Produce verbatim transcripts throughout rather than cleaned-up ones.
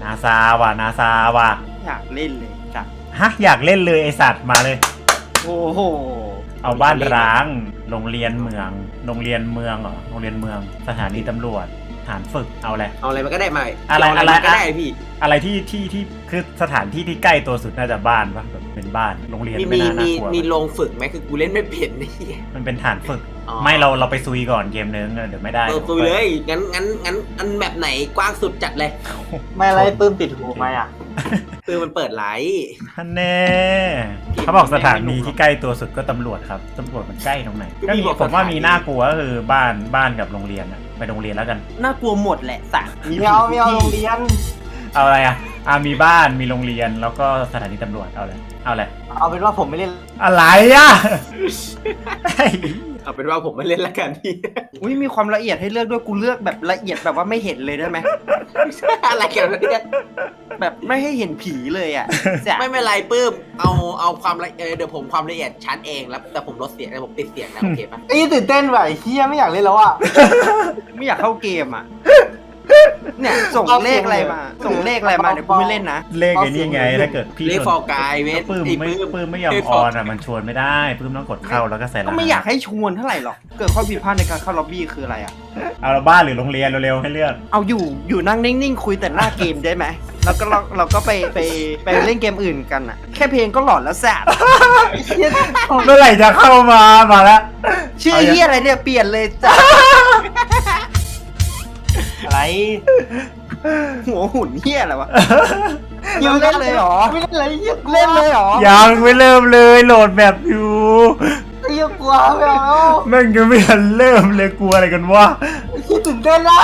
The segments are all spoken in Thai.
นาซาว่ะนาซาว่ะอยากเล่นเลยจัดฮะอยากเล่นเลยไอสัตว์มาเลยโอ้โหเอาบ้านร้างโรงเรียนเมืองโรงเรียนเมืองเหรอโรงเรียนเมืองสถานีตำรวจฐานฝึกเอาอะไรเอาอะไรมันก็ได้มาอะไรอะไรก็ได้พี่อะไรที่ที่ที่คือสถานที่ที่ใกล้ตัวสุดน่าจะบ้านปะแบบเป็นบ้านโรงเรียนไม่น่าน่ากลัวมีโรงฝึกไหมคือกูเล่นไม่เป็นนี่มันเป็นฐานฝึกไม่เราเราไปซุยก่อนเกมนึงเดี๋ยวไม่ได้ซุยเลยงั้นงั้นงั้นอันแบบไหนกว้างสุดจัดเลยไม่อะไรปื้มติดหูไหมอ่ะปื้มมันเปิดไลท์แน่เขาบอกสถานีที่ใกล้ตัวสุดก็ตำรวจครับตำรวจมันใกล้ตรงไหนก็มีผมว่ามีน่ากลัวก็คือบ้านบ้านกับโรงเรียนอะไปโรงเรียนแล้วกันน่ากลัวหมดแหละสัตว์มีเอาไม่เอาโรงเรียนเอาอะไรอ่ะอ่ามีบ้านมีโรงเรียนแล้วก็สถานีตำรวจเอาอะไรเอาอะไรเอาเป็นว่าผมไม่เล่นอะไรอ่ะเอาเป็นว่าผมไม่เล่นแล้วกันพี่อุ้ยมีความละเอียดให้เลือกด้วยกูเลือกแบบละเอียดแบบว่าไม่เห็นเลยได้ไหมอะไรกันเนี่ยแบบไม่ให้เห็นผีเลยอ่ะไม่เป็นไรปื้มเอาเอาความละเอียดเดี๋ยวผมความละเอียดชั้นเองแล้วแต่ผมลดเสียงแต่ผมปิดเสียงนะโอเคปะไอ้ตื่นเต้นว่ะไอ้เฮียไม่อยากเล่นแล้วอ่ะไม่อยากเข้าเกมอ่ะเนี่ยส่งเลขอะไรมาส่งเลขอะไรมาเดี๋ยวกูไม่เล่นนะเลขไอ้นี่ไงถ้าเกิดพี่เลขฟอร์กายเวทปื้มไม่ปื้มไม่ยอมออนอ่ะมันชวนไม่ได้ปื้มต้องกดเข้าแล้วก็ใส่รหัสก็ไม่อยากให้ชวนเท่าไหร่หรอกเกิดข้อผิดพลาดในการเข้าล็อบบี้คืออะไรอ่ะเอาบ้านหรือโรงเรียนเร็วๆให้เลือกเอาอยู่อยู่นั่งนิ่งๆคุยแต่หน้าเกมได้ไหมแล้วก็เราเราก็ไปไปไปเล่นเกมอื่นกันอ่ะแค่เพลงก็หลอนแล้วแสบเมื่อไหร่จะเข้ามามาแล้วชื่อเฮียอะไรเนี่ยเปลี่ยนเลยจ้ะอะไรหัวหุ่นเฮียอะไรวะยังเล่นเลยหรอไม่เล่นเลยเล่นเลยหรอยังไม่เริ่มเลยโหลดแบบอยู่เฮียกลัวไม่เอาแม่งยังไม่ทันเริ่มเลยกลัวอะไรกันวะคิดตื่นเต้นละ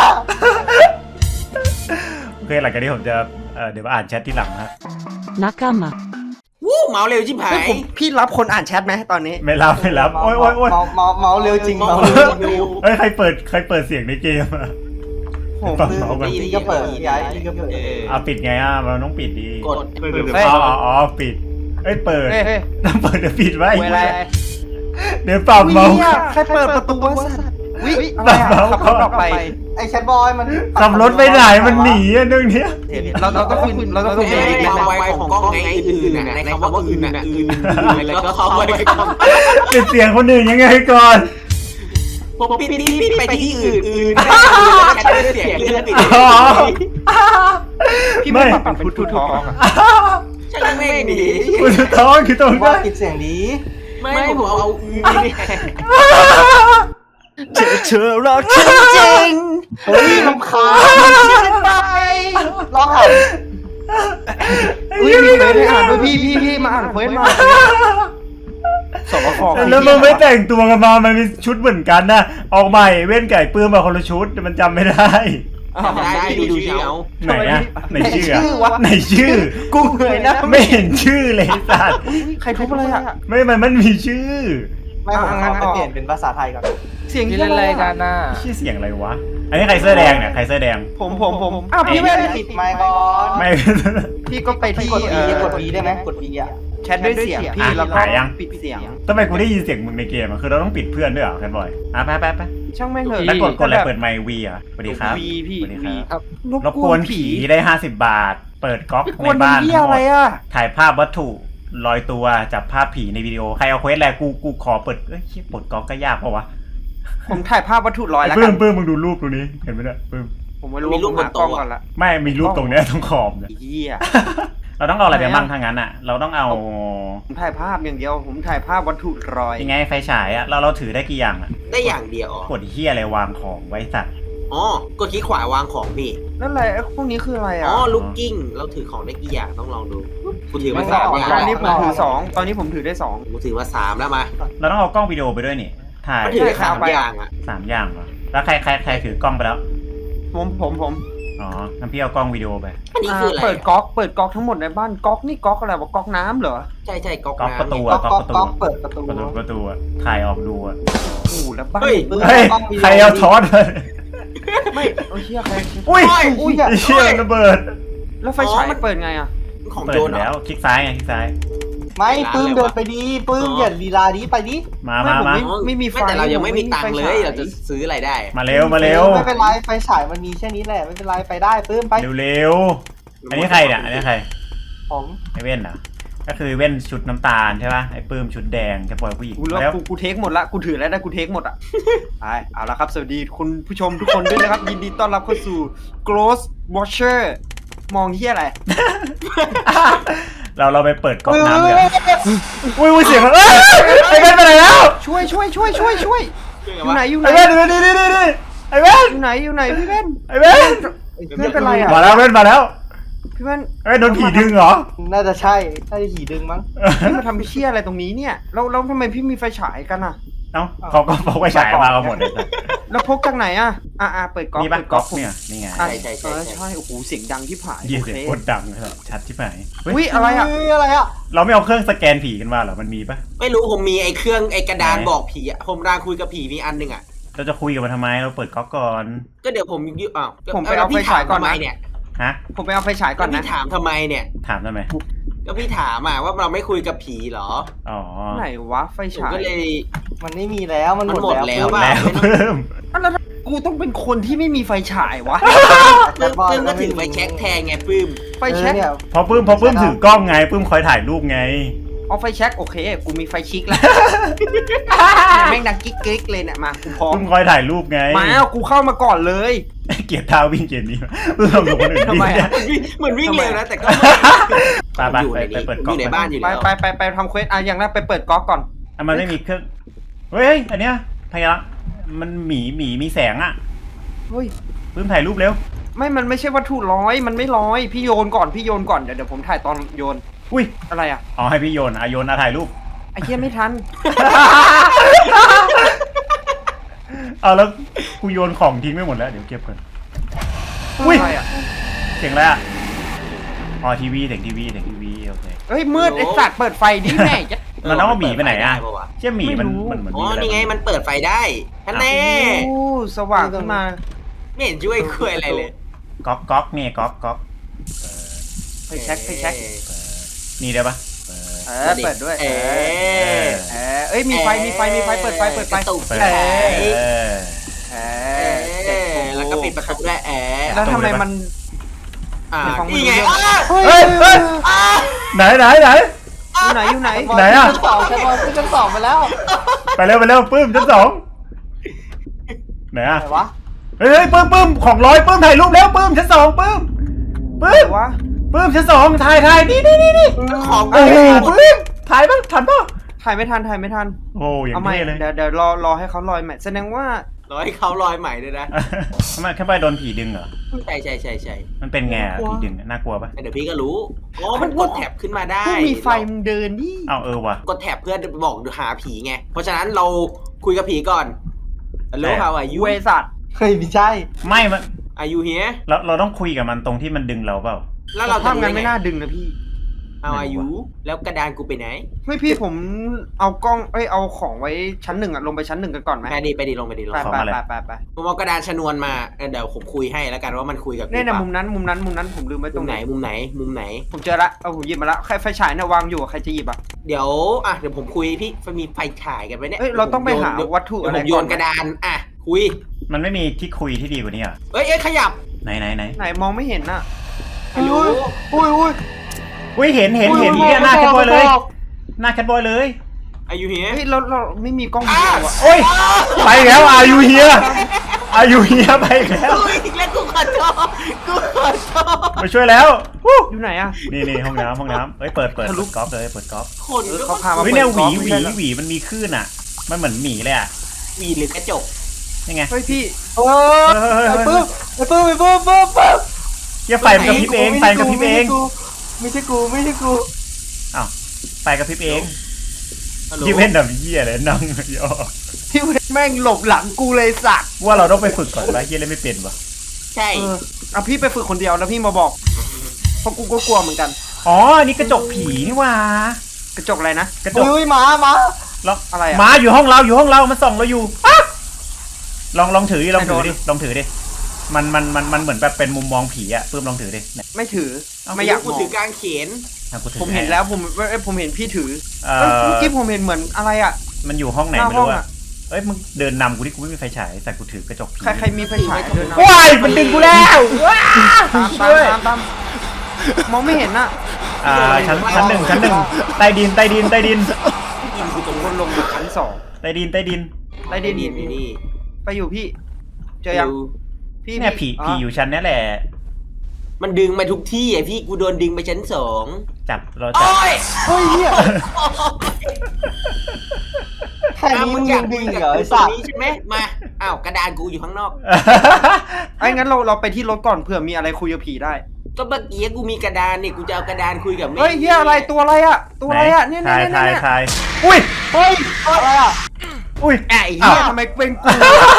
โอเคหลังจากนี้ผมจะเดี๋ยวมาอ่านแชทที่หลังครับนักกามาวู้เมาเร็วชิบหายพี่รับคนอ่านแชทไหมตอนนี้ไม่รับไม่รับโอ้ยโอ้ยโอ้ยเมาเมาเร็วจริงเมาเร็วเฮ้ยใครเปิดใครเปิดเสียงในเกมอะผมพี่ก็เปิดย้ายพี่ก็เปิดอ่ะปิดไงอ่ะมันต้องปิดดีกดอ๋ออ๋อปิดเอ้ยเปิดต้องเปิดเดี๋ยวปิดไว้เดี๋ยวปรับเมาส์ใครเปิดประตูวะสัตว์วิปรับเมาส์เขาออกไปไอ้แชทบอยมันขับรถไปไหนมันหนีอ่ะเรื่องนี้เราเราต้องคุยเราต้องคุยในความไวของกล้องไงอื่นๆในคำว่าอื่นๆอื่นๆแล้วก็เขาไวปิดเสียงคนอื่นยังไงก่อนผมปิดปิดไปที่อื่นอื่นแค่เสียงเลื่อนปิดพี่ไม่ปรับเป็นทูท้องใช่ไม่ดีทูท้องคือตรงว่าปิดเสียงดีไม่ผมเอาอื่นเจอเธอรักจริงเฮ้ยลำคาญไปร้องไห้อุ้ยมีเควสให้อ่านด้วยพี่พี่พี่มาอ่านเควสมาสองข้อแล้วมึงไม่แต่งตัวกันมามันมีชุดเหมือนกันนะออกใหม่เว้นไก่ปื้มมาคนละชุดมันจำไม่ได้ได้ดูดูชื่อเอาไหนอะไหนชื่อไหนชื่อกูเหนื่อยนะไม่เห็นชื่อเลยสัตว์ใครทุบอะไรอะไม่มันมันมีชื่อไม่ผมงั้นเปลี่ยนเป็นภาษาไทยก่อนเสียงที่อะไรกันน่ะชื่อเสียงอะไรวะอันนี้ใครเสื้อแดงเนี่ยใครเสื้อแดงผมผมผมอ้าวพี่ไม่ได้ปิดไมค์ก่อนไม่พี่ก็ไปที่กด B กด B ได้ไหมกด B อ่ะแชทด้วยเสียงพี่แล้วก็ปิดเสียงทำไมกูได้ยินเสียงมึงในเกมอ่ะคือเราต้องปิดเพื่อนด้วยเหรอแคนบอยอ่ะไปไปไปช่างแม่งเถอะแล้วกดกดอะไรเปิดไมค์วีอ่ะสวัสดีครับสวัสดีครับรบกวนผีได้ห้าสิบบาทเปิดก๊อกในบ้านทั้งหมดถ่ายภาพวัตถุลอยตัวจับภาพผีในวิดีโอใครเอาเควสอะไรกูกูขอเปิดเอ้ยปลดก๊อกก็ยากเพราะวะผมถ่ายภาพวัตถุลอยแล้วกันปื้มปื้มมึงดูรูปตรงนี้เห็นไหมเนี่ยปื้มผมไม่รู้มีรูปบนโต๊ะก่อนละไม่มีรูปตรงนี้ตรงขอบเนี่ยเราต้องเอาอะไรไปบ้างทางนั้นอ่ะเราต้องเอาผมถ่ายภาพอย่างเดียวผมถ่ายภาพวัตถุลอยยังไงไฟฉายอ่ะเราเราถือได้กี่อย่างอ่ะได้อย่างเดียวกดเหี้ยอะไรวางของไว้สัตว์อ๋อกดคลิกขวาวางของพี่นั่นอะไรพวกนี้คืออะไรอ่ะอ๋อลูกกิ้งเราถือของได้กี่อย่างต้องลองดูกูถือมาสามตอนนี้ผมถือสองตอนนี้ผมถือได้สองกูถือมาสามแล้วมาเราต้องเอากล้องวิดีโอไปด้วยนี่ถ่ายถือสามอย่างอ่ะสามอย่างเหรอแล้วใครใครใครถือกล้องไปแล้วผมผมผมอ๋องั้นพี่เอากล้องวิดีโอไปอันนี้คืออะไรเปิดก๊อกเปิดก๊อกทั้งหมดในบ้านก๊อกนี่ก๊อกอะไรวะก๊อกน้ำเหรอใช่ใช่ก๊อกก๊อกประตูก๊อกประตูเปิดประตูประตูประตูอ่ะถ่ายออกดูอ่ะโอ้แล้วบ้านเฮ้ยใครเอาทอดไม่โอ้ยเชี่ยใครอุ้ยอุ้ยเชี่ยระเบิดแล้วไฟฉายเปิดไงอ่ะของโจรแล้วคลิกซ้ายไงคลิกซ้ายไม่ปื้มเดินไปดีปื้มอย่าลีลาดีไปดิมามามาไม่มีไฟแต่เรายังไม่มีตังค์เลยเราจะซื้ออะไรได้มาเร็วมาเร็วไม่เป็นไรไฟฉายมันมีแค่นี้แหละไม่เป็นไรไปได้ปื้มไปเร็วอันนี้ใครเนี่ยอันนี้ใครผมไอเว่นเหรอก็คือเว่นชุดน้ำตาลใช่ป่ะไอปื้มชุดแดงแกปล่อยผู้หญิงกูแล้วแล้วกูกูเทคหมดละกูถือแล้วนะกูเทคหมดอ่ะไปเอาละครับสวัสดีคุณผู้ชมทุกคนด้วยนะครับยินดีต้อนรับเข้าสู่ Ghost Watcher มองที่อะไรเราเราไปเปิดก๊อกน้ำกันอุ้ยอุ้ยเสียงมันเอ้ยไอเว่นไปไหนแล้วช่วยช่วยช่วยช่วยช่วยอยู่ไหนอยู่ไหไอน เว่นนี่นี่นี่นี่ไอเว่นอยู่ไหนอยู่ไหนพี่เว้นไอเว่นเพื่อนเป็นไรอ่ะมาแล้วเว่นมาแล้วพี่เว้นไอยโดนผีดึงเหรอน่าจะใช่น่าจะหีดึงมั้งพี่มาทำเชี่ยอะไรตรงนี้เนี่ยแล้วแล้วทำไมพี่มีไฟฉายกันอ่ะเอ้าเขาก็พกไปฉายมากันหมดเลยแล้วพกจากไหนอ่ะอ่ะอ่ะเปิดก๊อกนี่ป่ะเปิดก๊อกผมเนี่ยนี่ไงอ่ะใช่ใช่ใช่เออใช่ใช่โอ้โหเสียงดังที่ผายยี่โอเสียเคงโคตรดังครับชัดที่ไหนเฮ้ยอุ้ยอะไรอ่ะเฮ้ยอะไรอ่ะเราไม่เอาเครื่องสแกนผีกันมาเหรอมันมีปะไม่รู้ผมมีไอ้เครื่องไอ้กระดานไหนบอกผีอะผมรางคุยกับผีมีอันหนึ่งอะเราจะคุยกันมาทำไมเราเปิดก๊อกก่อนก็เดี๋ยวผมยึดอ้าวผมไปเอาไฟฉายก่อนทำไมนะเนี่ยฮะผมไปเอาไฟฉายก่ก็อนนะพี่ถามทำไมเนี่ยถามทำไมก็พี่ถามอะว่าเราไม่คุยกับผีเหรออ๋อไหนวะไฟผมฉายก็เลยมันไม่มีแล้วมันหมดมันหมดแล้แล้ว วอะแล้วเพิ่มอ่ะแล้วกูต้องเป็นคนที่ไม่มีไฟฉายวะปื้มปื้มก็ถือไฟแช็กแทนไงปื้มไฟแช็กเนี่ยพอปื้มพอปื้มถือกล้องไงปื้มคอยถ่ายรูปไงเอาไฟแช็กโอเคกูมีไฟชิกแล้วแม่งดังกิ๊กกิ๊กเลยเนี่ยมากูพร้อมปื้มคอยถ่ายรูปไงมาเอากูเข้ามาก่อนเลยเกลียดท่าวิ่งเกมนี้ปื้มลองดูคนอื่นทำไมอะเหมือนวิ่งเหมือนวิ่งเร็วนะแต่ก็ไปไปอยู่ไปในไปนี้เปิดผมก๊ออกยู่ในบ้านอยู่ไปแล้วไปไปไปทำเควสอ่ะอย่างแรกไปเปิดก๊อกก่อนอ่ะมันไม่มีเครื่องเฮ้ยอันเนี้ยพยามันหมีหมีมีแสงอ่ะเฮ้ยปื้มถ่ายรูปเร็วไม่มันไม่ใช่วัตถุร้อยมันไม่ร้อยพี่โยนก่อนพี่โยนก่อนเดี๋ยวเดี๋ยวผมถ่ายตอนโยนอุ้ยอะไรอ่ะอ๋อให้พี่โยนอ่ะโยนอ่ะถ่ายรูปไอ้เหี้ยไม่ทันเอาแล้วกูโยนของทิ้งไม่หมดแล้วเดี๋ยวเก็บก่อน อุ้ยอะไรอ่ะเสียงอะไรอ่ะอ๋อทีวีเสียงทีวีเสียงทีวีโอเคเฮ้ยมืดไอ้สัตว์เปิดไฟดิแม่จะมันต้องเอาหมีไปไหนอ่ะเปิดฟด้ปวเชี่ยหมีมันไม่รู้มันเหมือนอ๋อมีะรนี่ไงมันเปิดไฟได้ท่านแน่โอ้สว่างขึ้นมาไม่เห็นช่วยคุยอะไรเลยก๊อกก๊อกเนี่ยก๊อกก๊อกไฟแช็กไฟแช็กนี่ได้ปะเออเปิดด้วยเอเอออเออเอ้ยมีไฟมีไฟมีไฟเปิดไฟเปิดไฟกระตุกเปิดเอเอออเอเอออแล้วก็ปิดประตูด้วยแอร์แล้วทำไมมันอ่าในห้องนี่ไงมืออ้าเฮ้ยเฮ้ยเฮ้ยอ้าไหนไหนไหนอยู่ไหนอยู่ไหนไหนอะชั้นสองชั้นสองขึ้นชั้นสองไปแล้วไปเร็วไปเร็วปื้มชั้นสองไหนอ่ะไหนวะเฮ้ยเฮ้ยปื้มปื้มของร้อยปื้มถ่ายรูปแล้วปื้มชั้นสองปื้มปื้มวะปื้มชั้นสองถ่ายถ่ายนี่นี่นี่นี่ของโอ้โหปื้มถ่ายปะทันปะถ่ายไม่ทันถ่ายไม่ทันโอ้อย่างเอาใหม่เท่เลยเดี๋ยวเดี๋ยวรอรอให้เขาลอยใหม่แสดงว่าร้อยเขาลอยใหม่ด้วยนะทำไมแค่ไปโดนผีดึงเหรอใช่ใช่ใช่ใช่มันเป็นไงอะผีดึงอะน่ากลัวปะเดี๋ยวพี่ก็รู้อ๋อมันกดแท็บขึ้นมาได้ผู้มีไฟมึงเดินดิเอาเออว่ะกดแท็บเพื่อบอกหาผีไง เพราะฉะนั้นเราคุยกับผีก่อน Hello how are you เวสัตว์เฮ้ยไม่ใช่ไม่มัน Are you here เราเราต้องคุยกับมันตรงที่มันดึงเราเปล่าแล้วเราจะทำรู้งานได้ไม่ไงน่าดึงนะพี่ How are you แล้วกระดานกูไปไหนเฮ้ยพี่ผมเอากล้องเอ้ยเอาของไว้ชั้นหนึ่งอะลงไปชั้นหนึ่งกันก่อนไหมไปดิไปดิลงไปดิลงไปไปไปไปไปไปผมเอากระดานชนวนมาเออเดี๋ยวผมคุยให้แล้วกันว่ามันคุยกับกูเนี่ยนะปะมุมนั้นมุมนั้นมุมนั้นผมลืมไว้ตมุรงมไหไหนนมุมไหนมุมไหนผมเจอละเอาผมหยิบมาละใครไฟฉายเนี่ยวางอยู่ใครจะหยิบอ่ะเดี๋ยวอ่ะเดี๋ยวผมคุยพี่มีไฟฉายกันไหมเนี่ยเอ้ยเราต้องไปหาเดี๋ยววัตถุเดี๋อะยวไรผมโยก่อนนกระดานอ่ะคุยมันไม่มีที่คุยที่ดีกว่านี้เหรอเอ้ยเอ้ยขยับไหนไหนไหนไหนมองไม่เห็นน่ะไม่รู้อุ้ยอุ้ยอุ้ยเห็นเห็นเห็นเนี่ยหน้าแคทบอยเลย หน้าแคทบอยเลย Are you here เฮ้ยเราเราไม่มีกล้องวิดีโออ่ะโอ้ยไปแล้วอายุเฮียอายุเฮียไปแล้วกูอีกแล้วกูขอโทษกูขอโทษไปช่วยแล้ววู้อยู่ไหนอ่ะนี่นี่ห้องน้ำห้องน้ำเฮ้ยเปิดเปิดทะลุเปิดก๊อฟเลยเปิดก๊อฟคนเออก็เขาพามาเฮ้ยเปิดเนี่ยหวีกล้องหวีไม่ใช่เหรอหวีมันมีคลื่นอ่ะ มันเหมือนหมีเลยอ่ะวีหรือกระจกนี่ไงเฮ้ยพี่เออไอ้ปื้มไอ้ปื้มไอ้ปื้มปื้มปื้มเฮียไฟมันกระพริบเองไฟมันกระพริบเองไม่ใช่กูไม่ใช่กูอ้าวไฟกระพริบเองฮัลโหลยี่เว้นแบบเฮียเลยนั่งย่อพี่เวทแม่งหลบหลังกูเลยสัตว์ว่าเราต้องไปฝึกก่อนว่าเฮียเล่นไม่เป็นวะใช่เออเอาพี่ไปฝึกคนเดียวแล้วพี่มาบอกเพราะกูก็กลัวเหมือนกันอ๋ออันนี้กระจกผีนี่หว่ากระจกอะไรนะกระจกอุ้ยหมาหมาลองอะไรอะหมาอยู่ห้องเราอยู่ห้องเรามันส่องเราอยู่อ๊ะลองลองถือดิลองถือดิลองถือดิมันมันมันมันเหมือนแบบเป็นมุมมองผีอะปื้มลองถือดิเนี่ยไม่ถือเอาไม่อยากกูมองถือกางเขนอ่ะกูถือผมเห็นแล้วผมเอ้ยผมเห็นพี่ถือเอเอ้ยอเมื่อกี้ผมเห็นเหมือนอะไรอ่ะมันอยู่ห้องไหนหน้าไม่ห้องรู้อะอะเอ้ยมึงเดินนำกูที่กูไม่มีไฟฉายแต่กูถือกระจกผีใครใครมีไฟฉายเดินเอาว้ายมันดึงกูแล้วว้าตามตามตามตามมองไม่เห็นน่ะอ่าชั้นชั้นหนึ่งชั้นหนึ่งใต้ดินใต้ดินใต้ดินกินคือตรงคนลงมาชั้นสองใต้ดินใต้ดินไรได้เดนดินนี่ไปอยู่พี่ เจอยังพี่เนี่ยผีผีอยู่ชั้นนี้แหละมันดึงมาทุกที่ไอพี่กูโดนดึงไปชั้นสองจับเราจับโอ้ยเฮ้ยเฮียแค่อ่ะนี้มึมึงงอยัยาง กดึงคุยเหรกับอไอ้ตรสังตว์นี้ใช่ไหมมาอ้าวกระดานกูอยู่ข้างนอกไอ้งั้นเราเราไปที่รถก่อนเผื่อมีอะไรคุยกับผีได้ก็เมื่อกี้กูมีกระดานนี่กูจะเอากระดานคุยกับแม่เฮ้ยเฮียอะไรตัวอะไรอะตัวอะไรอะเนี่ยเนี่ยถ่ายเนี่ยถ่ายเนี่ยถ่ายอุ้ยเฮ้ยอะไรอ่ะอุ้ยไอ้เฮียทำไมเป็นกู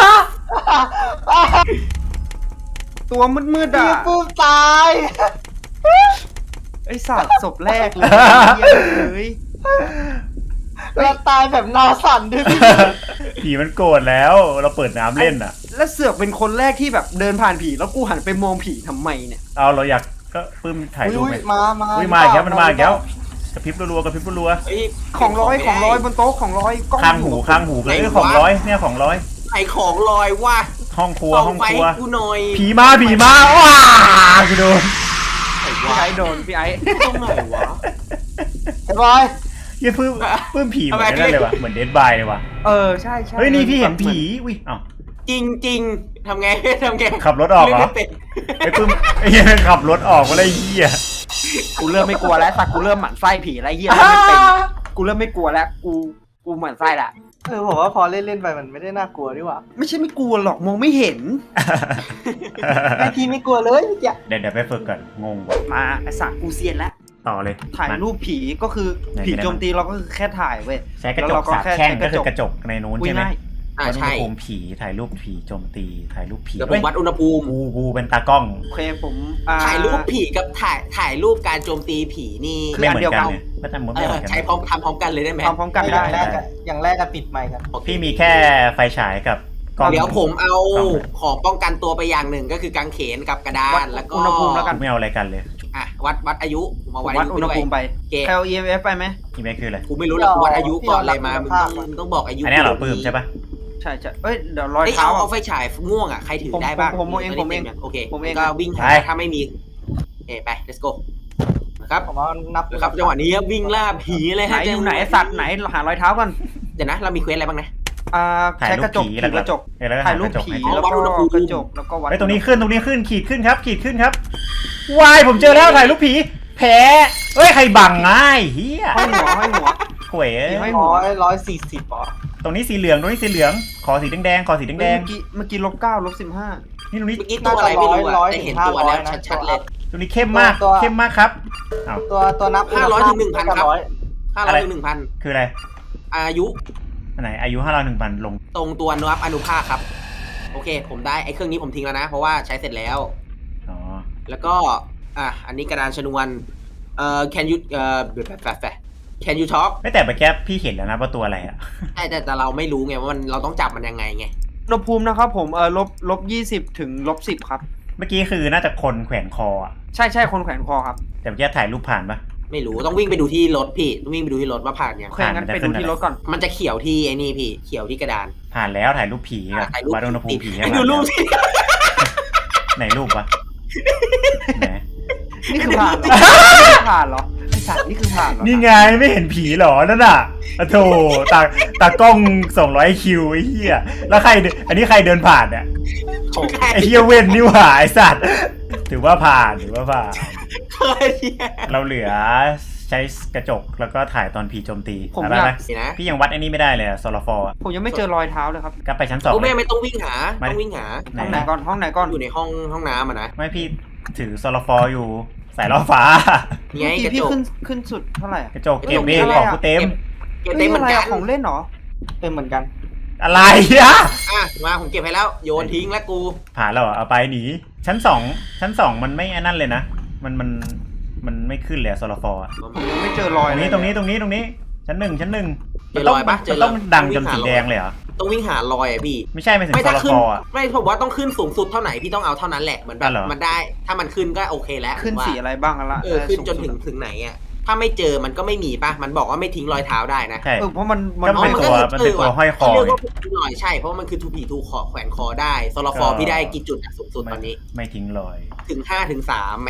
ตัวมืดๆพี่อ่ะปื้มตายไอ้สัตว์ศพแรกเลยเฮียเลยเราตายแบบหนาสั่นด้วยพี่ผีมันโกรธแล้ว เราเปิดน้ำเล่นอ่ะแล้วเสือกเป็นคนแรกที่แบบเดินผ่านผีแล้วกูหันไปมองผีทำไมเนี่ยเอาเราอยากก็ปื้มถ่ายรูปอุ้ไหมยมามาอุ้ยมาอีกแล้วมันมาอีกแล้วกระพริบรัวๆกระพริบรัวเฮ้ยของร้อยของร้อยบนโต๊ะของร้อยกล้องๆข้างหูข้างหูเลยเอ้ยของร้อยเนี่ยของร้อยไอของลอยว่าห้องครัวส่องห้องไฟครัวกูหน่อยผีมาผีมาว้ากูโดนไอ้พี่วะไอ้โดนพี่ไอ้ตรงไหนวะเห็นไหมเหี้ยปื้มปื้มผีเหมือนนั่นเลยวะเหมือนเดดบายเลยวะเออใช่ใช่เฮ้ยนี่พี่เห็นผีอุ้ยเอ้าจริงจริงๆทำไงทำไงขับรถออกเหรอล่นไม่เป็นไอ้ปื้มไอ้เหี้ยขับรถออกมาเลยไอ้เหี้ยกูเริ่มไม่กลัวแล้วสักกูเริ่มหมั่นไส้ผีแล้วเฮียเริ่มไม่เป็นกูเริ่มไม่กลัวแล้วกูกูหมั่นไส้ละเออผมว่าพอเล่นเล่นๆไปมันไม่ได้น่ากลัวดีกว่าไม่ใช่ไม่กลัวหรอกมองไม่เห็นไอทีไม่กลัวเลยเมื่อกี้เดี๋ยวเดี๋ยวไปฝึกก่อนงงว่ะมาไอ้สักกูเซียนแล้วต่อเลยถ่ายมรูปผีก็คือไหนผีไหนโจมตีเราก็คือแค่ถ่ายเว้ยใช้กระจแล้วกเราก็สามแค่แท่งใช้ก็คือกกระระจจกกในนู้นอุ้ยใช่ไหมง่ายอ่าวัดอุณใช่หภูมิผีถ่ายรูปผีโจมตีถ่ายรูปผีเดี๋ยวผเฮ้มยวัดอุณหภูมิกูกูเป็นตากล้องโอเคผมอ่าถ่ายรูปผีกับถ่ายถ่ายรูปการโจมตีผีนี่คือไม่อัเหมือนนเดียวกักัน นเนี่ยก็จะมุดเอไม่เหอมือนกันใช้พร้อมทำพร้อมกันเลยได้ไหมทำพร้อมกันอได้ย่างแรกได้อะอย่างแรกก็ปิดไมค์กันพี่มีแค่ไฟฉายกับกล้องเดี๋ยวผมเอากล้องของป้องกันตัวไปอย่างหนึ่งก็คือกางเขนกับกระดาวันดแล้วก็อุณหภูมิแล้วกันไม่เอาอะไรกันเลยอ่ะวัดวัดอายุมาผมวัดวัอาดยุอุณหด้วยภูมิไปโอเคแคล อี เอ็ม เอฟ ไปไหมนี่ไม่คืออะไรกูไม่รู้หรอกกูวัดอายุก่อนเลยมามึงต้องมึงต้องบอกอายุอันนี้เหรอปื้มใช่ปะใช่ใช่เอ้ยเดี๋ยวรอยเอ้ยเท้าเอาอะเอาไฟฉายม่วงอ่ะใครถือผมได้บ้างผมผมเองผมเองโอเคผมเองก็วิ่งหาถ้าไม่มีเอ้ไป let's go นะครับผมว่านับนะครับจังหวะนี้ครับวิ่งล่าผีเลยไหนฮะอยู่ไหนสัตว์ไหนหารอยเท้าก่อนเดี๋ยวนะเรามีเควสอะไรบ้างนะอ่าถ่ายใช้รูกประจกผีผีแล้วกก็ระจกเออแล้วก็ถ่ายรูปกระจกผีให้แล้ววัดก็อุณหภูมิกระจกแล้วก็วัดเฮ้ยตรงนี้ขึ้นตรงนี้ขึ้นขีดขึ้นครับ ขีดขึ้นครับวายผมเจอแล้วถ่ายรูปผีแผลเฮ้ยใครบังง่ายเฮียห้อยหัวห้อยหัวหวยเอ้ยไม่ร้อยร้อยสี่สิบอ่ะตรงนี้สีเหลืองตรงนี้สีเหลืองขอสีแดงๆขอสีแดเมื่งอกี้เมื่อกี้ลบเก้าลบสิบห้าๆนี่ตรงนี้เมื่อกี้ตัวอะไรไม่รู้อะแต่เห็นตัวแล้วชัดๆเลยตรงนี้เข้มมากเข้มมากครับอ้าวตัวตัวนับห้าร้อยถึงหนึ่งพันครับร้อยห้าร้อยถึงหนึ่งพันคืออะไรอายุอันไหนอายุห้าร้อยหนึ่งพันลงตรงตัวนับอนุภาคครับ โอเค ผมได้ไอ้เครื่องนี้ผมทิ้งแล้วนะ เพราะว่าใช้เสร็จแล้วอ๋อแล้วก็อ่ะอันนี้กระดานชนวนเอ่อ can you เอ่อแบบแบบแบบ can you talk ไม่แต่เมื่อกี้พี่เห็นแล้วนะว่าตัวอะไรอ่ะแต่แต่แต่เราไม่รู้ไงว่ามันเราต้องจับมันยังไงไงอุณหภูมินะครับผมเออลบลบยี่สิบถึงลบสิบครับเมื่อกี้คือน่าจะคนแขวนคออ่ะใช่ใช่คนแขวนคอครับแต่เมื่อกี้ถ่ายรูปผ่านปะไม่รู้ต้องวิ่งไปดูที่รถพี่ต้องวิ่งไปดูที่รถว่าผ่านยังโอเคงั้นไปดูที่รถก่อนมันจะเขียวที่ไอ้นี่พี่เขียวที่กระดานผ่านแล้วถ่ายรูปผีกับถ่ายรูปวัดอุณหภูมิผีไอ้ดูรูปสิไหนรูปวะไหนนี่คือผ่านเหรอนี่คือผ่านเหรอไอสัตว์นี่คือผ่านเหรอนี่ไงไม่เห็นผีเหรอนั่นน่ะอะโถตาตากล้องสองร้อยคิวไอ้เหี้ยแล้วใครเดินอันนี้ใครเดินผ่านเนี่ยไอ้เหี้ยเว้นนี่หว่าไอ้สัตว์ถือว่าผ่านถือว่าผ่านเคยเนี่ยเราเหลือใช้กระจกแล้วก็ถ่ายตอนผีโจมตีผมไปอยากไปสินะพี่ยังวัดไอ้นี่ไม่ได้เลยโซลาฟอร์ผมยังไม่เจอรอยเท้าเลยครับก็ไปชั้นสองกูเลแม่ยไม่ต้องวิ่งหาไม่ต้องวิ่งหาไหนห้องไหนก่อนห้องไหนก่อนอยู่ในห้องห้องน้ำอ่ะนะไม่พี่ถือโซลาฟอร์อยู่สายล่อฟ้านี่ไงเมื่อก กี้ระพี่จกขึ้นขึ้นสุดเท่าไหร่อะกระจกเก็บเองของกูเต็มเก็บเต็มเหมือนกันฮ้ยะไรอะของเล่นเหรอเป็นเหมือนกันอะไรอะอ่ะมาผมเก็บให้แล้วโยนทิ้งแล้วกูผ่านแล้วเหรอเอาไปหนีชั้นสองชั้นสองมันไม่อันนั่นเลยนะมันมันมันไม่ขึ้นเลยโซลาฟอร์ผมยังไม่เจอรอยตรงนี้เลยตรงนี้ตรงนี้ตรงนี้ชั้นหนึ่งชั้นหนึ่งเจอรอยปะเจมัอน รต้ออย งดังจนสีแดงเลยเหรอต้องวิ่งหารอยอ่ะพี่ไม่ใช่ไม่ถึงไม่โซถ้าลาขึ้ฟนอร์อะไม่ผมว่าต้องขึ้นสูงสุดเท่าไหร่พี่ต้องเอาเท่านั้นแหละเหมือนแบอ่ะบเหรอมันได้ ถ้ามันขึ้นก็โอเคแล้วขึ้นว่าสีอะไรบ้างละเออขึ้นจนสูถึงสุดถึงไหนอ่ะถ้าไม่เจอมันก็ไม่มีป่ะมันบอกว่าไม่ทิ้งรอยเท้าได้นะใช่เออเพราะมันมันก็เป็นอ๋อตัวมันเป็นตัวห้อยคอเขาเรียกว่าหน่อยใช่เพราะว่ามันคือทูผีทูคอแขวนคอได้โซลาฟอร์ก็พี่ได้กี่จุดอะสูงสุดตอนนี้ไม่ทิ้งรอยถึงห้าถึงสามไหม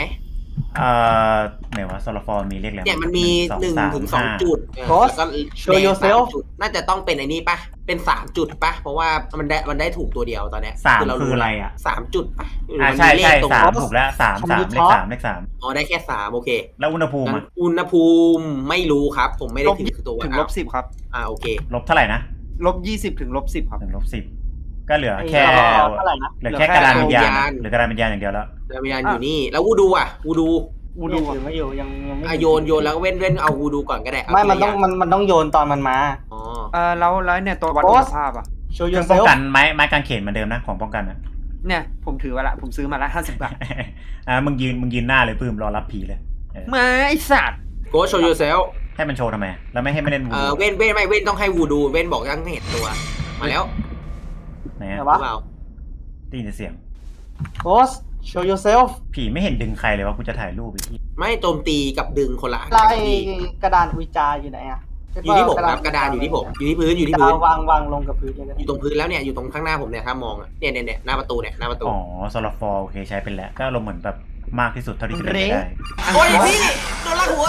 เอ่อไหนวะโซลาฟอร์มีเลขอะไรเนี่ยมันมีหนึ่งถึงสองจุดเออ Ghost แล้วก็ show แดง yourself สามจุดน่าจะต้องเป็นไอ้นี่ปะเป็นสามจุดปะเพราะว่ามันได้มันได้ถูกตัวเดียวตอนเนี้ยสามเคืออะไรอ่ะสามจุดปะหรืออ่ามันใช่มีเลใช่ขตรงสามถูกแล้วสามสามเลขสามเลขสามอ๋อได้แค่สามโอเคแล้วอุณหภูมิงั้นอะอุณหภูมิไม่รู้ครับ ผมไม่ได้ลบถือตัวถึงลบสิบครับอ่าโอเคลบเท่าไหร่นะลบยี่สิบถึงลบสิบครับถึงลบสิบก็เหลือแค่เท่าไหร่นะเหลือแค่กระดานวิญญาณเหลือกระดานวิญญาณอย่างเดียวแล้วดาววิญญาณอยู่นี่ แล้ววูดูอ่ะวูดูวูดูถือไม่อยู่ยังยังไม่อ่ะโยนโยนแล้วก็เว้นเว้นเอาวูดูก่อนก็ได้เาไม่ทีมันละต้องย่ามันมันต้องโยนตอนมันมาอ๋อเออแล้วแล้วเนี่ยตัววัด Ghost คุณภาพอ่ะ show เครื่องป้อง yourself กันไม้ไม้กางเขนเหมือนเดิมนะของป้องกันนะเนี่ยผมถือมาละผมซื้อมาละห้าสิบบาทอ่ามึงยืนมึงยืนหน้าเลยปื้มรอรับผีเลยเออมาไอสัตว์โกโชว์ยูเซลให้มันโชว์ทำไมแล้วไม่ให้ไม่เล่นวูเออเว้นเว้นไม่เว้นต้องให้วูดูเว้นบอกยังไม่เห็นตัว มาแล้วไหนไหนอะวะเปล่าได้ยินแต่เสียง Ghost show yourself ผีไม่เห็นดึงใครเลยวะกูจะถ่ายรูปไปที่ไม่โจมตีกับดึงคนละอันลายพี่กระดานอุจจาอยู่ไหนอ่ะอยู่ที่ผมครับกระดานอยู่ที่ผมอยู่ที่พื้นอยู่ที่จะพื้เอานวางวางลงกับพื้นเลยก็อได้ยู่ตรงพื้นแล้วเนี่ยอยู่ตรงข้างหน้าผมเนี่ยถ้ามองอะเนี่ยเนี่ยเนี่ยหน้าประตูเนี่ยหน้าประตูอ๋อโซลาฟอร์โอเคใช้เป็นแล้วก็ลงเหมือนแบบมากที่สุดเท่าที่จะเป็นไปได้โอ้ยพี่โดนลากหัว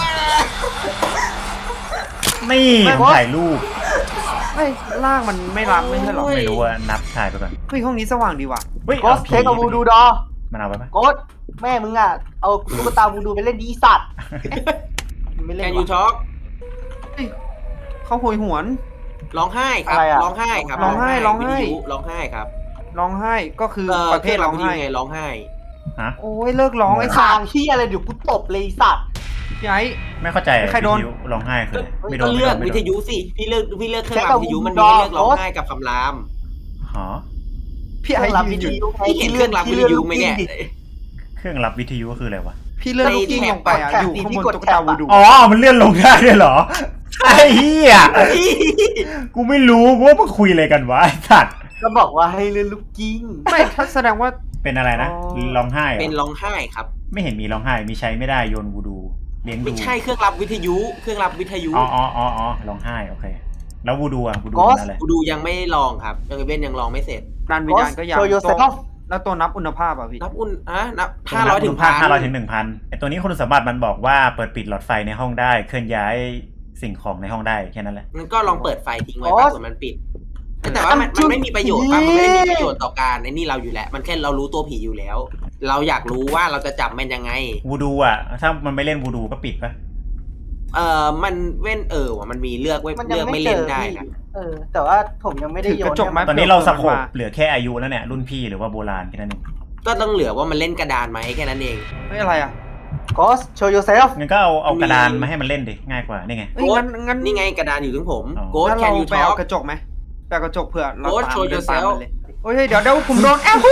นี่ผมถ่ายรูปเฮ้ยล่างมันไม่รับไม่ใช่หรอไม่รู้ว่านับถ่ายไปก่อนเฮ้ยห้องนี้สว่างดีว่ะเฮ้ยโกสผีเทคเอาวูดูดอมันเอาไปปะโกสแม่มึงอ่ะ เอาตุ๊กตาวูดูไปเล่นดีสัตว์ไม่เล่แคนนยูวะช็อกเฮ้ยเขาโหยหวนร้องไห้ครับอะไรอะร้องไห้ครับร้องไห้ร้องไห้วิทยุร้องไห้ครับร้องไห้ก็คือเออประเภทร้องไห้ไงร้องไห้ฮะโอ้ยเลิกร้องไอ้สัทางตว์ที่อะไรเดี๋ยวกูตบเลยไอ้สัตว์พี่ไอ้ไม่เข้าใจใครโดนวิทยุร้องไห้คืออะไรไม่โดก็นไม่เลืโดอกนไม่วิโดทนยุสิพี่เลือกพี่เลือกเครื่องแค่รับกับวิทยุมันดมีอให้เลือกร้องโอ๊ตไห้กับคำรามหอพี่เคไอ้รื่องรับยืวินทอยู่ยุไงพี่เห็นเครื่องรับวิทยุไหมเนี่ยเครื่องรับวิทยุก็คืออะไรวะพี่เลื่อนลูกกิ้งลงไปอ่ะอยู่ข้างบนตุ๊กตาวูดูอ๋อมันเลื่อนลงได้ด้วยเหรอไอ้เหี้ยกูไม่รู้กูว่ามึงคุยอะไรกันวะไอ้สัตว์ก็บอกว่าให้เล่นลูกกิ้งไม่ถ้าแสดงว่าเป็นอะไรนะอ๋อร้องไห้เหรเป็นอร้องไห้ครับไม่เห็นมีร้องไห้มีใช้ไม่ได้โยนวูดูเลี้ยงดูไม่ใช่เครื่องรับวิทยุ เครื่องรับวิทยุอ๋ออ๋ออ๋ออ๋อร้องไห้โอเคแล้ววูดูอ่ะวูดู Ghost เป็นอะไรกูดูยังไม่ลองครับยังเว้นยังลองไม่เสร็จนานวิญญาณก็ยัง Show ตัว yourself แล้วตัวนับอุณหภาพอ่ะพี่นับอุ่นอะนับห้าร้อยถึงพัพันห้าร้อยถึงหนึ่งพันไอตัวนี้คุณสมบัติมันบอกว่าเปิดปิดหลอดไฟในห้องได้เคลื่อนย้ายสิ่งของในห้องได้แค่นั้นแหละมันก็ลองเปิดไฟทิ้งไว้โอ๊ป่ะยส่วนมันปิด แต่ว่ามันมันไม่มีประโยชน์ป่ะมันไม่ได้มีประโยชน์ต่อการในนี่เราอยู่แล้ว มันแค่เรารู้ตัวผีอยู่แล้ว เราอยากรู้ว่าเราจะจับมันยังไงวูดูอ่ะถ้ามันไม่เล่นวูดูก็ปิดปะเออมันเว้นเออว่ะมันมีเลือกเว้นมันยัเลืงอกไม่ไม่เจเล่นอได้พี่นะเออ แต่ว่าผมยังไม่ได้ถือโยกนระจกไหมตอนนี้เราสโคปมาเหลือแค่อายุแล้วเนี่ยรุ่นพี่หรือว่าโบราณแค่นั้นเองก็ต้องเหลือว่ามันเล่นกระดานไหมแค่นั้นเองเฮ้ยอะไรอ่ะโกส show yourself งั้นก็เอาเอากระดานมาให้มันเล่นดิง่ายกว่านี่ไงเฮ้ยงั้นงั้นนี่ไงกระดานอยู่ถึงผมอ๋อโกดงั้นแคนเรายูไปท็อเอากกระจกไหมไปเอากระจกเผื่อเรา Ghost ตาม show เดินตาม yourself มันเลยโอ้ยเดี๋ยวเดี๋ยวผมโดนแอล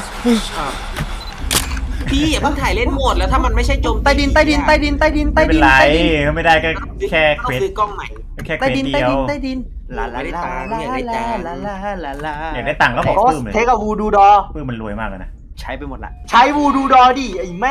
พี่อย่าเพิ่งถ่ายเล่นโหมดแล้วถ้ามันไม่ใช่โจมตีใต้ดินใต้ดินใต้ดินใต้ดินใต้ไม่เป็ดินนไรใต้ดินไม่ได้ก็แค่เควต้องสซื้อกล้องใหม่แค่เควใต้สดินเดีใต้ยวดินใต้ดินลาลาลาลาอยากได้ตัลางค์ลาลาลาลาอยากได้ตังค์ก็บอกโกปื้สมเลยเทคเอาวูดูดอปื้มมันรวยมากเลยนะใช้ไปหมดละใช้วูดูดอดิไอ้แม่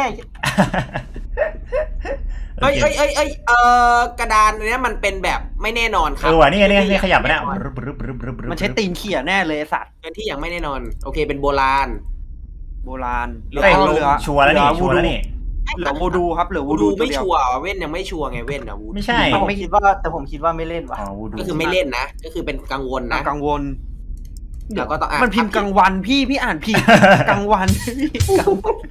เอ้ยเอ้ยเอ้ยเอ้ยเออกระดานเนี้ยมันเป็นแบบไม่แน่นอนครัเอบ อว่ะนี่ไงนี่ไงนี่ขยับมาเนี่ยมันใช้ตีนเขี่ยแน่เลยไอ้สัตว์เป็นที่ยังไม่แน่นอน โอเคเป็นโบราณโบราณเหลือเฮ้ยเหลือชัวร์แล้วนี่เหลือชัวร์แล้วนี่เหลือวูดูครับเหลือวูวูดูดูตัวไม่เดียวชัวร์เว้นยังไม่ชัวร์ไงเว้นอะวูไม่ใช่แต่ผมคิดว่าแต่ผมคิดว่าไม่เล่นว่ะอ๋อวูดูก็คือไม่เล่นนะ ก็คือเป็นกังวลนะกังวลแล้วก็ต้องอ่านมันพิมพ์กลางวันพี่พี่อ่านผิดกลางวันกลางวัน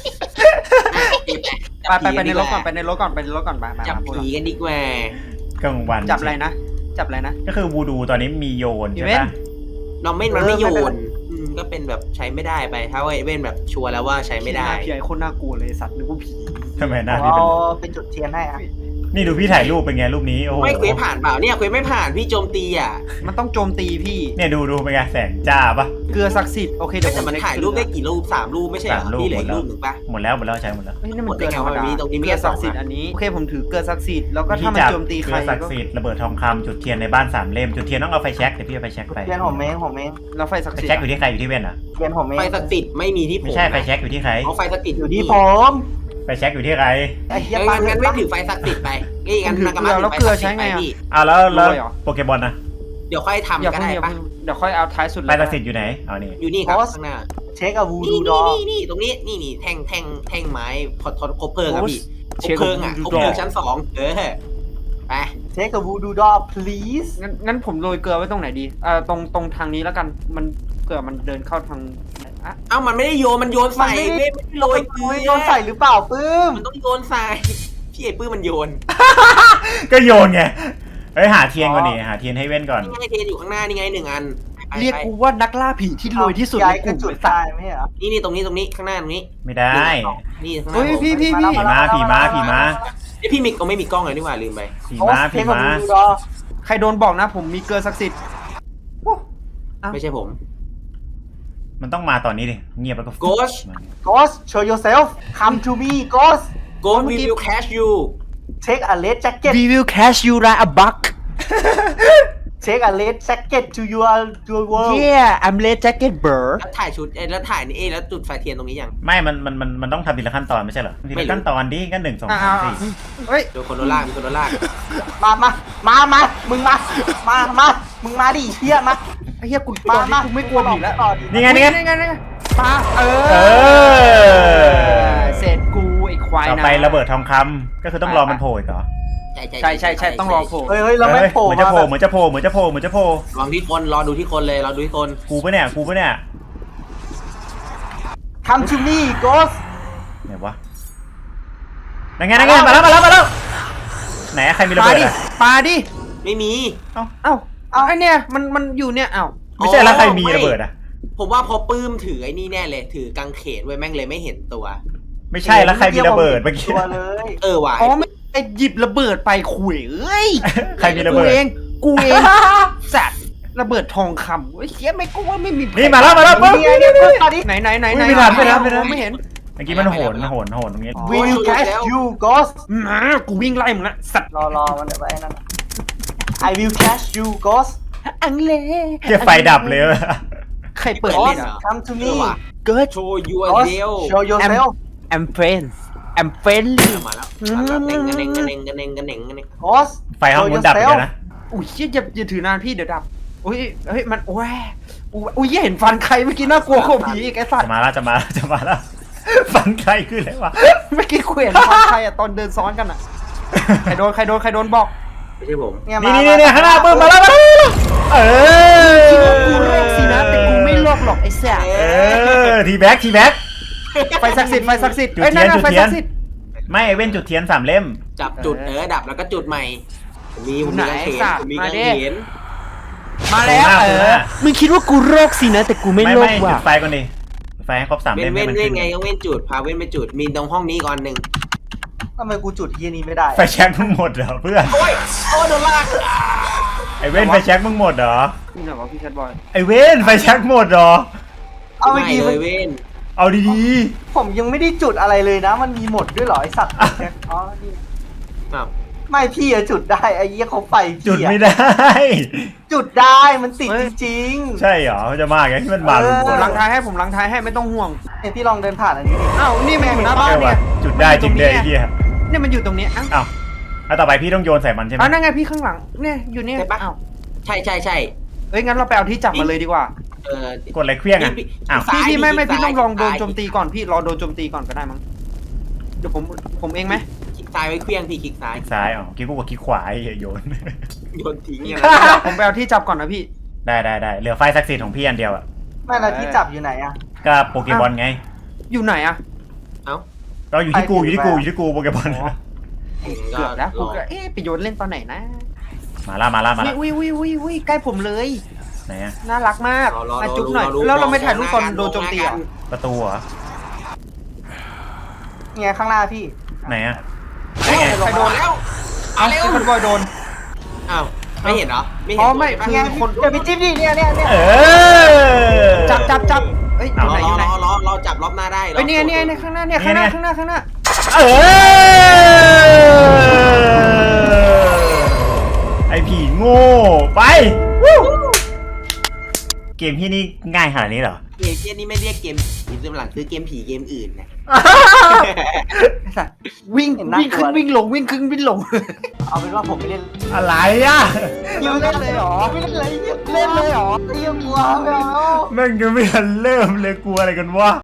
ไปไปไปในรถก่อนไปในรถก่อนไปในรถก่อนไปมาจับมาพวกผีเรากันดีกว่ากลางวันจับอะไรนะจับอะไรนะก็คือวูดูตอนนี้มีโยนอีใช่เวนต์ปะน้องเม่นมันไม่โยนอืมก็เป็นแบบใช้ไม่ได้ไป ถ้าว่าเว้นแบบชัวร์แล้วว่าใช้ไม่ได้พี่ไอ้คนน่ากลัวเลยสัตว์นึกว่าผีทำไมหผน้าม พี่เอาเป็นไปจุดเทียนให้อ่ะนี่ดูพี่ถ่ายรูปเป็นไงรูปนี้โอ้โหไม่เควสผ่านเปล่าเนี่ยเควสไม่ผ่านพี่โจมตีอ่ะมันต้องโจมตีพี่เนี่ยดูดูเป็นไงแสงจ้าปะเกลือศักดิ์สิทธิ์โอเคเดี๋ยวผแต่มมันถ่ายรูปได้กี่รูปสามรูปไม่ใช่เหรอสามรูปพี่เหลืออีหมดแล้วกรูปหนึ่งปะหมดแล้วหมดแล้วใช้หมดแล้วเฮ้ยนี่มันเกลือธรรมดาหมดได้ไงวะตรงนี้มีเกลือแค่สองศักดิ์สิทธิ์อันนี้โอเคผมถือเกลือศักดิ์สิทธิ์แล้วก็วิธีถ้ามันจับโจมตีใคเกรลือศักดิ์สิทธิ์ระเบิดทองคำจุดเทียนในบ้านสามเล่มจุดเทียนต้องเอาไฟแช็กเดี๋ยวพี่เอาไฟแช็กไปเทียนผมเองผมเองแล้วไฟศักดิ์ไฟสิทธิ์แช็กอยู่ที่ใครอยู่ที่เว้นเหรอเทียนผมเองไฟศักดิ์สิทธิ์ไม่มีที่ผมไม่ใช่ไฟแช็กอยู่ที่ใครเอาไฟศักดิ์สิทธิ์อยู่ที่ผมไฟแช็กอยู่ที่ใครไอ้เหี้ยเอ้ยปางั้นเงิงั้นนไม่ถือไฟศักดิ์สิทธิ์ไปนี่งั้นนากามาถือไฟศักดิ์สิทธิ์ไปพี่อ้าวแล้วแล้วโปเกมอนนะเดี๋ยวค่อยทำอย่าก็เพิ่งได้อย่าปะเพิ่งเดี๋ยวค่อยเอาท้ายสุดเลไฟยศักดิ์สิทธิ์อยู่ไหนเอานี่อยู่นี่ครับข้างหน้าเช็คอะวูนี่ดูดนี่อนี่นี่ตรงนี้นี่นี่แท่งแท่งแท่งไม้พอทอคบเพลิงครับพี่คเช็บคเพลิงอ่ะกับคบ Voodoo เพลิง Doll ชั้นสองเออไปเช็คกับวูดูดอ please งั้นงั้นผมโรยเกลือไว้ตรงไหนดีเอ่อตรงตรงทางนี้แล้วกันมันเผื่อมันเดินเข้าทางอ่ะเอ้ามันไม่ได้โยนมันโยนใส่มันไม่ไม่ได้ไม่ได้โรยเกลือโดนใส่หรือเปล่าปื้มมันต้องโยนใส่พี่ไอ้ปื้มมันโยนก็โยนไงเฮ้ยหาเทียนก่อนดิหาเทียนให้เว้นก่อนนี่ไงเทนอยู่ข้างหน้านี่ไงหนึ่งอันไปเรียกไปกูว่านักล่าผีที่รวยที่สุดย้าในยกกระลุ่มจุดไอ้สัตตายว์ไม่ใช่เหรอนี่นี่ตรงนี้ตรงนี้ข้างหน้าตรงนี้ไม่ได้นี่ข้างหน้าเฮ้ยพี่พี่พี่ผีม้าผีม้าผีม้าไอยพี่มิกก็ไม่มีกล้องเลยนี่หว่าลืมไปผีม้าผีเช็คกับม้าวูดูดอใครโดนบอกนะผมมีเกลือศักดิ์สิทธิ์ อ้าวไม่ใช่ผมมันต้องมาตอนนี้ดิเงียบแล้วก็ Ghost Ghost show yourself come to me Ghost Go we will catch you take a red jacket We will cash you like a buck take a red jacket to your your world Yeah I'm red jacket bird แล้วถ่ายชุดเอ้ยแล้วถ่ายนี่เอ้ยแล้วจุดไฟเทียนตรงนี้ยังไม่มันมันมันมันต้องทำทีละขั้นตอนไม่ใช่เหรอทีไม่ละรู้ขั้นตอนดิก็หนึ่งสองอ่าสามสี่เฮ้ยโดนคนโดนลากมีคนโดนลากมามามามามึงมา มา มา มึงมาดิเฮียมาไอ้เหี้ยกูมาตอนนี้มากูไม่กลัวผีแล้วต่อดินี่ไงนี่ไงนี่ไงนี่ไงปาเอเอออเสร็จกูไอ้ควายต่อนะไประเบิดทองคำก็คือต้องรอมันโผล่อีกเหรอใช่ใช่ใช่ใช่ต้องรอโผล่เฮ้ยเฮ้ยเราไม่เฮ้ยโผล่เหมือนจะมาโผล่แบบเหมือนจะโผล่เหมือนจะโผล่เหมือนจะโผล่ลองที่คนรอดูที่คนเลยรอดูที่คนกูปะเนี่ยกูปะเนี่ยทำ to me Ghost ไหนวะนั่นไงนั่นไงมาแล้วมาแล้วมาแล้วไหนใครมีระปาเบิดดิอะปาดิไม่มีเอ้าเอ้าไอ้เนี่ยมันมันอยู่เนี่ยเอ้าไม่ใช่แล้วใครมีระเบิดอะผมว่าพอปื้มถือไอ้นี่แน่เลยถือกางเขนไว้แม่งเลยไม่เห็นตัวไม่ใช่แล้วใครมีระเบิดเมื่อกี้ตัวเลยเออว่ะอ๋อไม่ไอ้หยิบระเบิดไปขุยเอ้ยใครมีระกูเบิดเองกูเองสัตว์ระเบิดทองคำเฮ้ยเฮียไม่กูว่าไม่มีนี่มาแล้วมาแล้วปึ๊บนี่ไงเนี่ยเพิ่งตอนนี้ไหนไหนไหนอุ๊ไหนยไม่ทันไม่ทันไม่ทันไม่เห็นเมื่อกี้มันโหนโหนโหนตรงนี้ we will catch you Ghost มากูวิ่งไล่มึงละสัตว์รอรอมันเดี๋ยวไว้นั่น I will catch you Ghost อังเลเกียไฟดับเลยอะใครเปิดเล่เล่นนเหรอ่ะอ come to เอ me อว่ะเกิดโชว์ยูเด Ghost ล show yourself I'm friends I'm friendly มาแล้วมาแล้วเน่งกันเน่งกันเน่งกันเน่งกันเน่งกันเน่ง Ghost ไฟห้องนู้นดับไปแล้วนะอุ้ยเชี่ยอย่าอย่าถือนานพี่เดี๋ยวดับอุ้ยเฮ้ยมันโอ้ยอุ้ยอุ้ยเห็นฟันใครเมื่อกี้น่ากลัวกว่าผีอีกไอ้สัตจะว์มาแล้วจะมาแล้วจะมาแล้วฟันใครขึ้นเลยวะเมื่อกี้กูเห็นฟันใครอะตอนเดินซ้อนกันอะใครโดนใครโดนใครโดนบอกไม่ใช่ผมเนี่ยนี่มานี่นี่ข้างหน้าปื้มมาแล้วมาแล้วเออคิดว่ากูโลกสินะแต่กูไม่โลกหรอกไอ้แซ่บเออทีแบ็กทีแบ็กไฟศักดิ์สิทธิ์ไฟศักดิ์สิทธิ์จุดเอ้ยนั่นเทียนน่ะไฟจุดเทียนศักดิ์สิทธิ์ไม่ไอเว้นจุดเทียนสามเล่มจับจุดเออดับแล้วก็จุดใหม่ผมมีผมมีกางเขนผมมีกางเขนมาแล้วตรงหน้าเอตรงหน้าอมึงคิดว่ากูโรคสินะแต่กูไม่ไม่โรคไม่ว่ะจุดไฟก่อนดิจุดไฟให้ครบสามเว้เล่นมเว้ให้นมันเว้ขึ้นนไงก็เว้นจุดพาเว้นไปจุดมีตรงห้องนี้ก่อนหนึ่งทำไมกูจุดเฮียนี้ไม่ได้ไฟแช็กมึงหมดเหรอเพื่อนโอ้ยโอ้ยโดนลากไอเว้นไฟแช็กมึงหมดเหรอนี่ไหนวะพี่ชัดบอยไอเว้นไฟแช็กหมดเหรอเอาไม่เมื่อกี้เลมันยเว้นเอาดีผมยังไม่ได้จุดอะไรเลยนะ มันมีหมดด้วยเหรอไอสัตว์อ๋อนี่อ้าวไม่พี่อะจุดได้ไอ้เหี้ยเขาไฟๆจุดพี่อะไม่ได้จุดได้มันติดจริงใช่เหรอมันจะมาไงที่มันมาลุงเอคอนล้างท้ายให้ผมล้างท้ายให้ไม่ต้องห่วงๆเนี่ยพี่ลองเดินผ่านอันนี้ดิอ้าวนี่มันอยู่หน้าบ้านใช่เนี่ว่ะยจุดได้จริงเลยไอ้เหี้ยเนี่ยมันอยู่ตรงเนี้ยอ้าวอ้าวแล้วต่อไปพี่ต้องโยนใส่มันใช่ไหมอ้าวนั่นไงพี่ข้างหลังเนี่ยอยู่เนี่ยอ้าวใช่ใช่ใช่เอ้ยงั้นเราไปเอาที่จับมาเลยดีกว่าเออกดอะไรเครื่องอ่ะอ้าวพี่พี่ไม่ไม่พี่ต้องลองโดนโจมตีก่อนพี่รอโดนโจมตีก่อนก็ได้มั้งเดี๋ยวผมผมเองไหมคลิกซ้ายไว้เครื่องพี่คลิกซ้ายคลิกซ้ายอ๋อคลิกกูกดคลิกขวาไอ้เหี้ยโยนโยนทิ้งนี่เนี่ยผมไปเอาที่จับก่อนนะพี่ได้ได้ได้เหลือไฟศักดิ์สิทธิ์ของพี่อันเดียวอ่ะไม่แล้วที่จับอยู่ไหนอะก็โปเกมอนไงอยู่ไหนอะเอ้าเราอยู่ที่กูอยู่ที่กูอยู่ที่กูโปเกมอนเกือบแล้วกูก็เอ๊ะไปโยนเล่นตอนไหนนะมาละมาละมาละวิววิววิววิใกล้ผมเลยไหนอะน่ารักมากรอรอมาจุ๊บหน่อยรอแล้วเราไม่ถ่ายรูปตอนโดนโจมตีเหรอประตูเหรอเนี่ยข้างหน้าพี่ไหนอะใครโดนแล้วเอาเอาเร็วพี่พันบอยโดนอ้าวไม่เห็นเหรอไม่เห็นอ๋อไม่ตัวคือใช่ปะคนเดี๋ยวพี่จิ๊บดิเนี่ยเนี่ยเนี่ยเออจับจับจับเอ้ยอรอยู่ไหนอยู่ไหนรอรอรอจับรอบหน้าได้เอ้ยเนี่ยเนี่ยเนี่ยข้างหน้าเนี่ยข้างหน้าข้างหน้าข้างหน้าเออไอผีโง่ไปวู้เกมที่นี่ง่ายขนาดนี้เหรอเกมเนี้ยนี่ไม่เรียกเกมผีซื้อหลังซื้อเกมผีเกมอื่นนะไอ้สัตว์วิ่งวิ่งขึ้นวิ่งลงวิ่งขึ้นวิ่งลงเอาเป็นว่าผมไม่เล่นอะไรอ่ะยูเล่นเลยเหรอไม่เล่นอะไรเงี้ยเล่นเลยเหรอเตรียมกลัวไม่เอาแม่งยังไม่ทันเริ่มเลยกลัวอะไรกันวะ